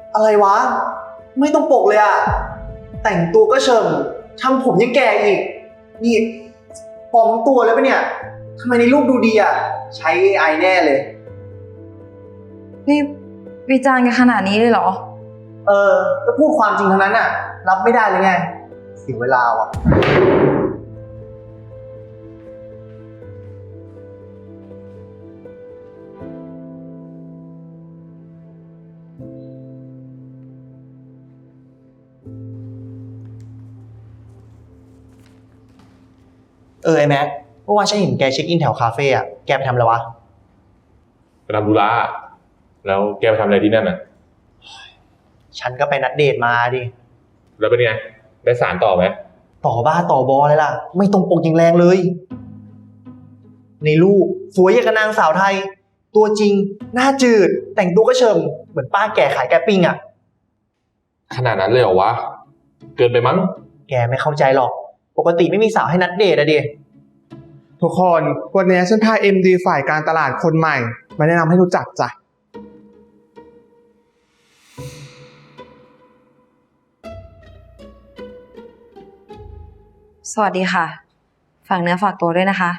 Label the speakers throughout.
Speaker 1: อะไรวะไม่ต้องปกเลยอะแต่งตัวก็เชิมทำผมยังแก่อีกนี่ปลอมตัวเลยปะเนี่ยทำไมในรูปดูดีอะใช้ AI แน่เลย
Speaker 2: นี่วิจารณ์กันขนาดนี้เลยเหรอ
Speaker 1: ก็พูดความจริงทั้งนั้นอะรับไม่ได้เลยไงเสียเวลาว่ะไอแม็กเมื่อวานฉันเห็นแกเช็คอินแถวคาเฟ่อะแกไปทำอะไรวะ
Speaker 3: ไปทำธุระแล้วแกไปทำอะไรที่นั่นน่ะ
Speaker 1: ฉันก็ไปนัดเดทมาดิ
Speaker 3: แล้วเป็นไงได้สารต่อไหม
Speaker 1: ต่อบ้าต่อบอเลยล่ะ ไม่ตรงปกอย่างแรงเลย ในรูปสวยอย่างกับนางสาวไทย ตัวจริงหน้าจืด แต่งตัวก็เชิมเหมือนป้าแก่ขายแกปิ้งอะ
Speaker 3: ขนาดนั้นเลยเหรอวะเกินไปมั้ง
Speaker 1: แกไม่เข้าใจหรอก ปกติไม่มีสาวให้นัดเดทอะดิ
Speaker 4: ทุกคนวันนี้ฉันพา MD ฝ่ายการตลาดคนใหม่มาแนะนำให้รู้จักจ้ะ
Speaker 2: สวัสดีค่ะฝากเนื้อฝากตัวด้วยนะคะ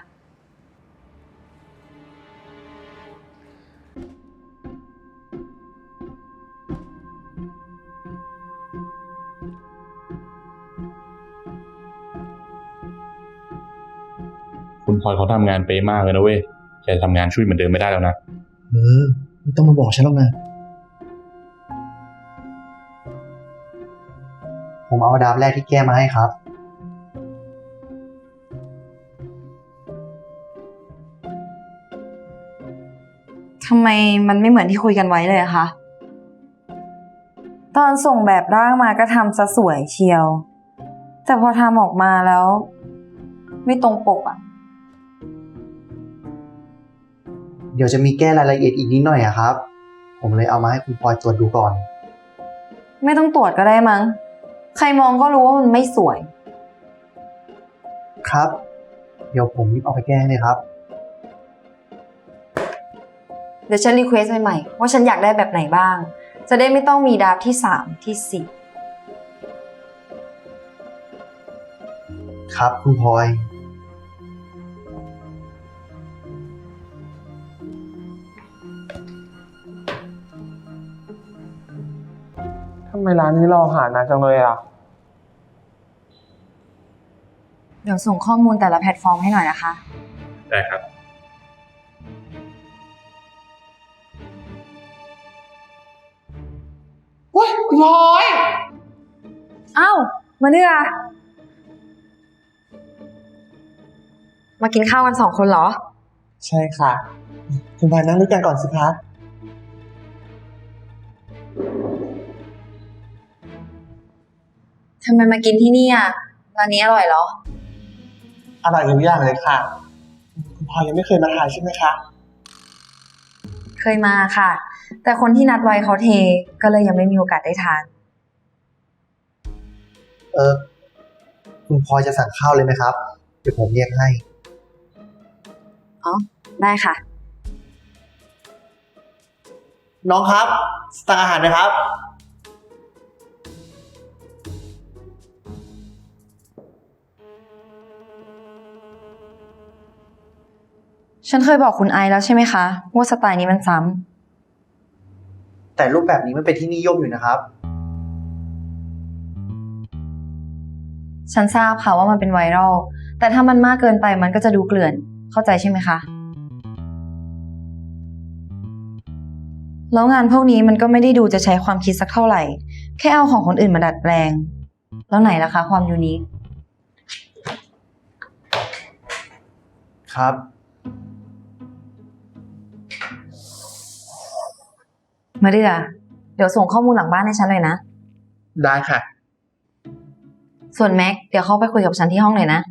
Speaker 3: คุณพลอยเขาทำงานเป๊ะมากเลยนะเว้ยแกทำงานช่วยเหมือนเดิมไม่ได้แล้วนะ
Speaker 1: ไม่ต้องมาบอกฉันหรอกนะ ผมเอาดาบแรกที่แก้มาให้ครับ
Speaker 2: ทำไมมันไม่เหมือนที่คุยกันไว้เลยอะคะตอนส่งแบบร่างมาก็ทำซะสวยเชียวแต่พอทำออกมาแล้วไม่ตรงปกอะ
Speaker 1: เดี๋ยวจะมีแก้รายละเอียดอีกนิดหน่อยอะครับ ผมเลยเอามาให้คุณพลอยตรวจดูก่อน
Speaker 2: ไม่ต้องตรวจก็ได้มั้งใครมองก็รู้ว่ามันไม่สวย
Speaker 1: ครับ เดี๋ยวผมรีบเอาไปแก้เลยครับ
Speaker 2: เดี๋ยวฉันรีเควสใหม่ๆว่าฉันอยากได้แบบไหนบ้างจะได้ไม่ต้องมีดราฟที่3ที่4
Speaker 1: ครับคุณพลอย
Speaker 4: ทำไมร้านนี้รอหานานจังเลยอ่ะ
Speaker 2: เดี๋ยวส่งข้อมูลแต่ละแพลตฟอร์มให้หน่อยนะคะ
Speaker 3: ได้ครับ
Speaker 4: เฮ้ยคุณพลอย
Speaker 2: อ้าวมาเนื้อมากินข้าวกัน2 คนเหรอ
Speaker 4: ใช่ค่ะคุณพลอยนั่งด้วยกันก่อนสิคะ
Speaker 2: ทำไมมากินที่นี่อ่ะร้านนี้อร่อยเหรอ
Speaker 4: อร่อยทุกอย่างเลยค่ะคุณพลอยยังไม่เคยมาทานใช่ไหมคะ
Speaker 2: เคยมาค่ะ แต่คนที่นัดไว้เขาเทก็เลยยังไม่มีโอกาสได้ทาน
Speaker 1: คุณพลอยจะสั่งข้าวเลยไหมครับ เดี๋ยวผมเรียกให้
Speaker 2: อ๋อได้ค่ะ
Speaker 1: น้องครับสั่งอาหารนะครับ
Speaker 2: ฉันเคยบอกคุณไอซ์แล้วใช่ไหมคะว่าสไตล์นี้มันซ้ำ
Speaker 1: แต่รูปแบบนี้มันเป็นที่นิยมอยู่นะครับ
Speaker 2: ฉันทราบค่ะว่ามันเป็นไวรัลแต่ถ้ามันมากเกินไปมันก็จะดูเกลื่อนเข้าใจใช่ไหมคะแล้วงานพวกนี้มันก็ไม่ได้ดูจะใช้ความคิดสักเท่าไหร่แค่เอาของคนอื่นมาดัดแปลงแล้วไหนล่ะคะความยูนิค
Speaker 1: ครับ
Speaker 2: มาเดือเดี๋ยวส่งข้อมูลหลังบ้านให้ฉันเลยนะ
Speaker 4: ได้ค่ะ
Speaker 2: ส่วนแม็กเดี๋ยวเข้าไปคุยกับฉันที่ห้องเลยนะ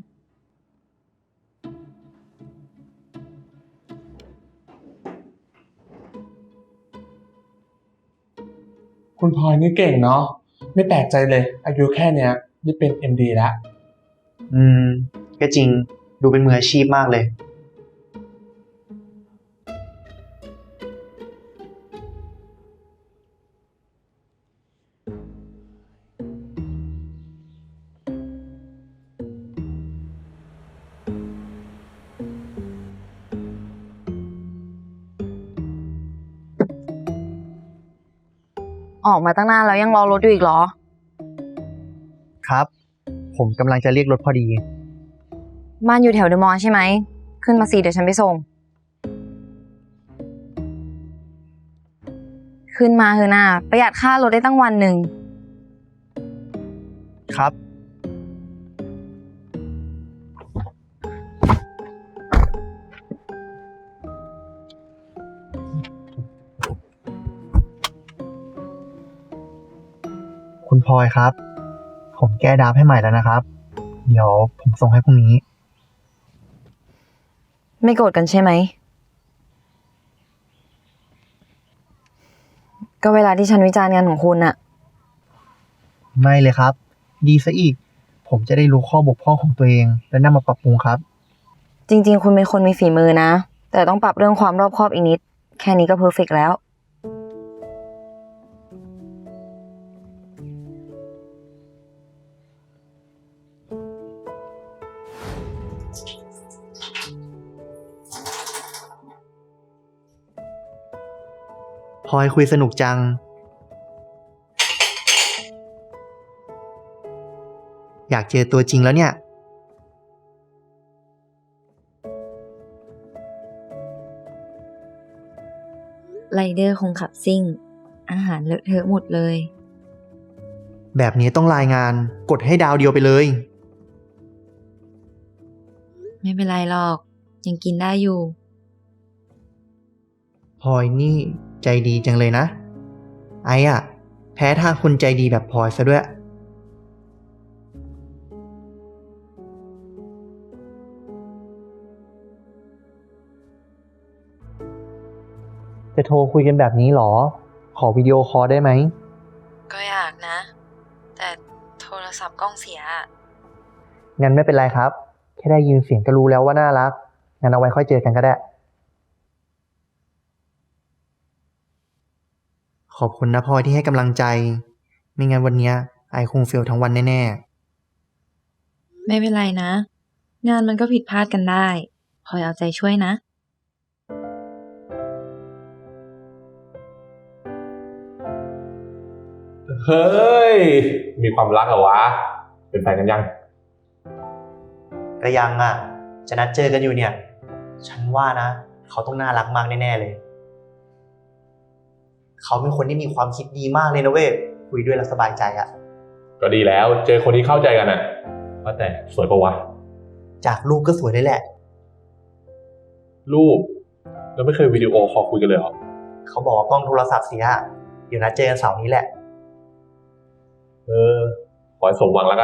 Speaker 4: คุณพลอยนี่เก่งเนาะไม่แปลกใจเลยอายุแค่เนี้ยนี่เป็น MD แล้ว
Speaker 1: ก็จริงดูเป็นมืออาชีพมากเลย
Speaker 4: ค
Speaker 2: ออกมาตั้งนานแล้วยังรอรถอยู่อีกเหรอ
Speaker 1: ครับ ผมกำลังจะเรียกรถพอดี
Speaker 2: บ้านอยู่แถวเดอะมอลล์ใช่ไหม ขึ้นมาสิเดี๋ยวฉันไปส่ง ขึ้นมาเถอะนะประหยัดค่ารถได้ตั้งวันหนึ่ง
Speaker 1: ครับ คุณพลอยครับ ผมแก้ดราฟต์ให้ใหม่แล้วนะครับ เดี๋ยวผมส่งให้พรุ่งนี้
Speaker 2: ไม่โกรธกันใช่ไหม ก็เวลาที่ฉันวิจารณ์งานของคุณอะ
Speaker 1: ไม่เลยครับ ดีซะอีก ผมจะได้รู้ข้อบกพร่องของตัวเอง และนำมาปรับปรุงครับ
Speaker 2: จริงๆ คุณเป็นคนมีฝีมือนะ แต่ต้องปรับเรื่องความรอบคอบอีกนิด แค่นี้ก็เพอร์เฟกต์แล้ว
Speaker 1: พลอยคุยสนุกจัง อยากเจอตัวจริงแล้วเนี่ย
Speaker 2: ไรเดอร์คงขับซิ่ง อาหารเลอะเทอะหมดเลย
Speaker 1: แบบนี้ต้องรายงาน กดให้ดาวเดียวไปเลย
Speaker 2: ไม่เป็นไรหรอก ยังกินได้อยู่
Speaker 1: พลอยนี่ใจดีจังเลยนะ ไอ้อะแพ้ทางคนใจดีแบบพลอยซะด้วย จะโทรคุยกันแบบนี้หรอ ขอวิดีโอคอลได้ไหม
Speaker 2: ก็อยากนะ แต่โทรศัพท์กล้องเสีย
Speaker 1: งั้นไม่เป็นไรครับ แค่ได้ยินเสียงก็รู้แล้วว่าน่ารัก งั้นเอาไว้ค่อยเจอกันก็ได้ ขอบคุณนะพลอยที่ให้กำลังใจ ไม่งั้นวันเนี้ยไอคงเฟลทั้งวันแน่ๆ
Speaker 2: ไม่เป็นไรนะ งานมันก็ผิดพลาดกันได้พลอยเอาใจช่วยนะ
Speaker 3: เฮ้ย มีความรักเหรอวะ เป็นแฟนกันยัง
Speaker 1: ก็ยังอ่ะ จะนัดเจอกันอยู่เนี่ย ฉันว่านะ เขาต้องน่ารักมากแน่ๆเลย เขาเป็นคนที่มีความคิดดีมากเลยนะเว้ย คุยด้วยแล้วสบายใจอ่ะ
Speaker 3: ก็ดีแล้ว เจอคนที่เข้าใจกันอ่ะว่าแต่สวยปะวะ
Speaker 1: จากรูปก็สวยเลยแหละ
Speaker 3: รูปแล้วไม่เคยวิดีโอคอลคุยกันเลยเหรอ
Speaker 1: เขาบอกว่ากล้องโทรศัพท์เสีย เดี๋ยวนัดเจอกันเสาร์นี้แหละ
Speaker 3: ขอให้สมหวังแล้วกัน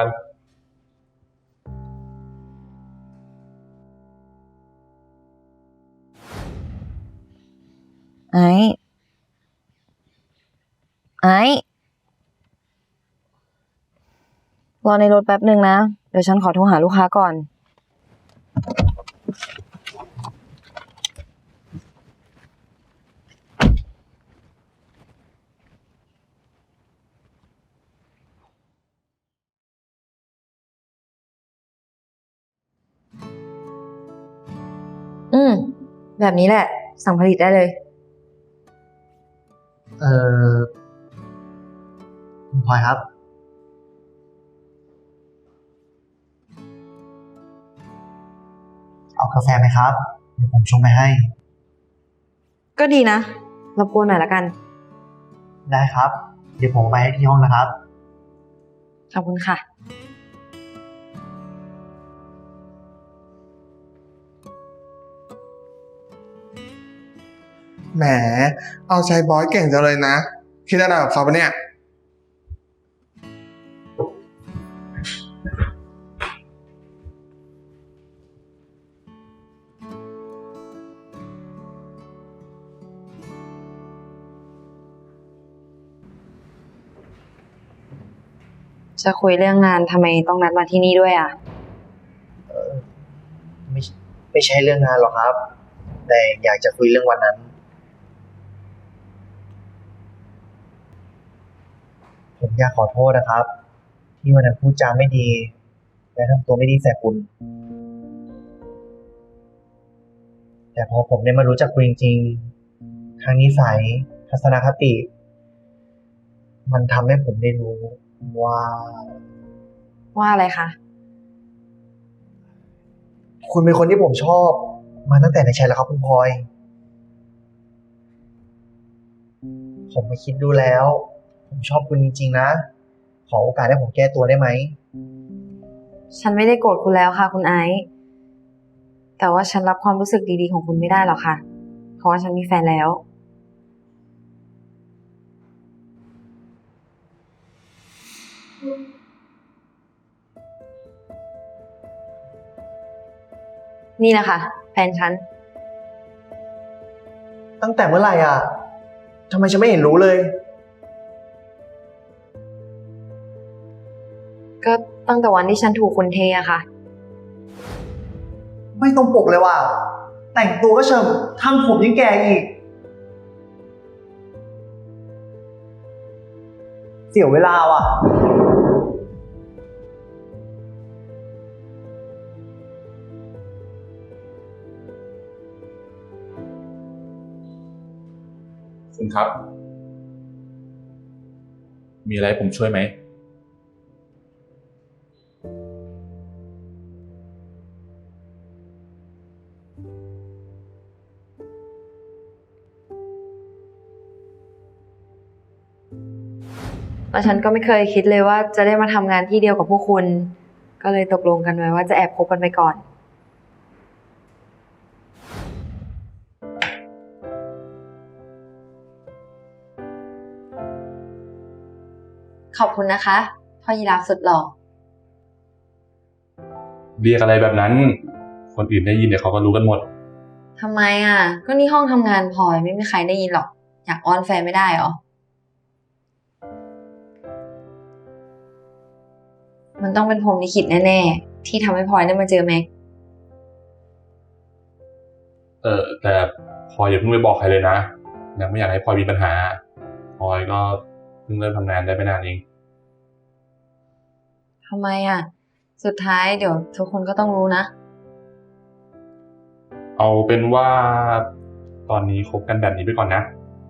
Speaker 2: ไอ้รอในรถแป๊บหนึ่งนะ เดี๋ยวฉันขอโทรหาลูกค้าก่อน แบบนี้แหละ สั่งผลิตได้เลย
Speaker 1: คุณพลอยครับ เอากาแฟไหมครับ เดี๋ยวผมชงไปให้
Speaker 2: ก็ดีนะ รบกวนหน่อยละกัน
Speaker 1: ได้ครับ เดี๋ยวผมเอาไปให้ที่ห้องนะครับ
Speaker 2: ขอบคุณค่ะ
Speaker 4: แหม เอาใจบอสเก่งจังเลยนะ คิดอะไรกับเขาปะเนี่ย
Speaker 2: จะคุยเรื่องงานทำไมต้องนัดมาที่นี่ด้วยอ่ะ
Speaker 1: ไม่ไม่ใช่เรื่องงานหรอกครับ แต่อยากจะคุยเรื่องวันนั้น ผมอยากขอโทษนะครับ ที่วันนั้นพูดจาไม่ดี และทำตัวไม่ดีใส่คุณ แต่พอผมได้มารู้จักคุณจริงๆทั้งนิสัย ทัศนคติมันทำให้ผมได้รู้ว่า
Speaker 2: ว่าอะไรคะ
Speaker 1: คุณเป็นคนที่ผมชอบมาตั้งแต่ในแชทแล้วครับคุณพลอย ผมมาคิดดูแล้ว ผมชอบคุณจริงๆนะ ขอโอกาสให้ผมแก้ตัวได้ไหม
Speaker 2: ฉันไม่ได้โกรธคุณแล้วค่ะ คุณไอซ์แต่ว่าฉันรับความรู้สึกดีๆของคุณไม่ได้หรอกค่ะ เพราะว่าฉันมีแฟนแล้ว นี่แหละค่ะ แฟนฉัน
Speaker 1: ตั้งแต่เมื่อไหร่อ่ะทำไมฉันไม่เห็นรู้เลย
Speaker 2: ก็ตั้งแต่วันที่ฉันถูกคุณเทอะค่ะ
Speaker 1: ไม่ตรงปกเลยว่ะ แต่งตัวก็เชิมทำผมยังแก่อีก เสียเวลาว่ะ
Speaker 3: คุณครับ มีอะไรให้ผมช่วยไหม
Speaker 2: แล้วฉันก็ไม่เคยคิดเลยว่าจะได้มาทำงานที่เดียวกับพวกคุณ ก็เลยตกลงกันไว้ว่าจะแอบคบกันไปก่อน ขอบคุณนะคะ พ่อยีราฟสุดหล่อ
Speaker 3: เรียกอะไรแบบนั้น คนอื่นได้ยินเดี๋ยวเขาก็รู้กันหมด
Speaker 2: ทำไมอ่ะ ก็นี่ห้องทำงานพลอยไม่มีใครได้ยินหรอก อยากอ้อนแฟนไม่ได้หรอ มันต้องเป็นพรหมลิขิตแน่ๆ ที่ทำให้พลอยได้มาเจอแม็ก
Speaker 3: แต่พลอยอย่าเพิ่งไปบอกใครเลยนะยังไม่อยากให้พลอยมีปัญหาพลอยก็เพิ่งเริ่มทำงานได้ไม่นานเอง
Speaker 2: ทำไมอ่ะ สุดท้ายเดี๋ยวทุกคนก็ต้องรู้นะ
Speaker 3: เอาเป็นว่าตอนนี้คบกันแบบนี้ไปก่อนนะ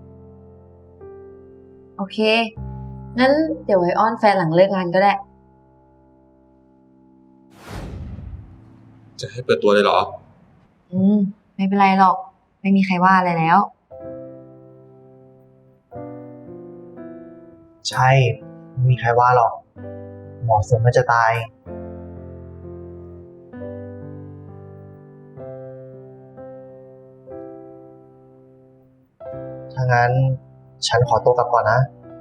Speaker 2: โอเค งั้นเดี๋ยวไว้อ้อนแฟนหลังเลิกงานก็ได้
Speaker 3: จะให้เปิดตัวเลยเหรอ
Speaker 2: ไม่เป็นไรหรอก ไม่มีใครว่าอะไรแล้ว
Speaker 1: ใช่ ไม่มีใครว่าหรอก เหมาะสมมันจะตาย ถ้างั้น ฉันขอตัวกลับก่อนนะ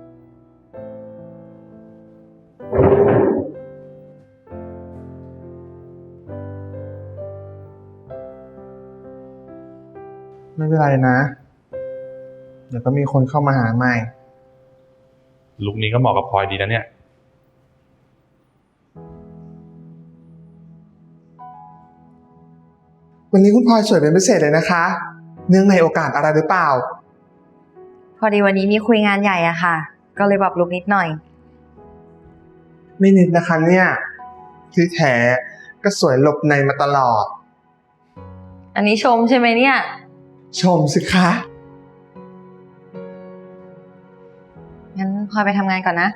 Speaker 4: ไม่เป็นไรนะ เดี๋ยวก็มีคนเข้ามาหาใหม่
Speaker 3: ลุคนี้ก็เหมาะกับพลอยดีนะเนี่ย
Speaker 4: วันนี้คุณพลอยสวยเป็นพิเศษเลยนะคะ เนื่องในโอกาสอะไรหรือเปล่า
Speaker 2: พอดีวันนี้มีคุยงานใหญ่อะค่ะ ก็เลยปรับลุคนิดหน่อย
Speaker 4: ไม่นิดนะคะเนี่ยที่แท้ก็สวยหลบในมาตลอด
Speaker 2: อันนี้ชมใช่ไหมเนี่ย
Speaker 4: ชมสิคะ
Speaker 2: งั้นพลอยไปทำงานก่อนนะ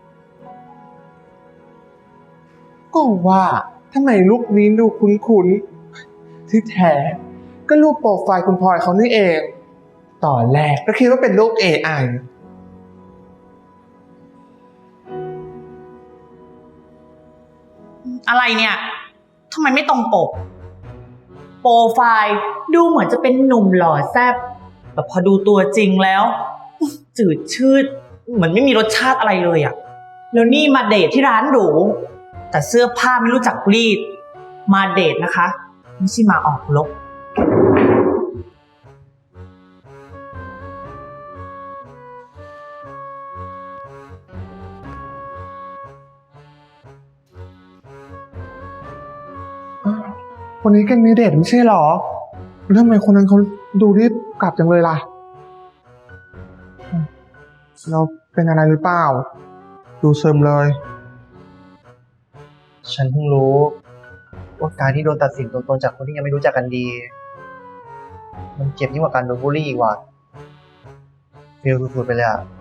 Speaker 4: ก็ว่าทำไมรูปนี้ดูคุ้นๆ ที่แท้ก็รูปโปรไฟล์คุณพลอยเขานี่เอง ตอนแรกก็คิดว่าเป็นรูป AI
Speaker 5: อะไรเนี่ย ทำไมไม่ตรงปก โปรไฟล์ดูเหมือนจะเป็นหนุ่มหล่อแซ่บแต่พอดูตัวจริงแล้ว จืดชืด เหมือนไม่มีรสชาติอะไรเลยอะแล้วนี่มาเดทที่ร้านหรู แต่เสื้อผ้าไม่รู้จักรีด มาเดทนะคะ ไม่ใช่มาออกรบ
Speaker 4: วันนี้แกมีเดทไม่ใช่หรอแล้วทำไมคนนั้นเขาดูรีบกลับจังเลยล่ะ เราเป็นอะไรหรือเปล่า ดูซึมเลย
Speaker 1: ฉันเพิ่งรู้ว่าการที่โดนตัดสินตัวตนจากคนที่ยังไม่รู้จักกันดี มันเจ็บยิ่งกว่าการโดนบูลลี่อีกว่ะฟีลสุดๆไปเลยอะ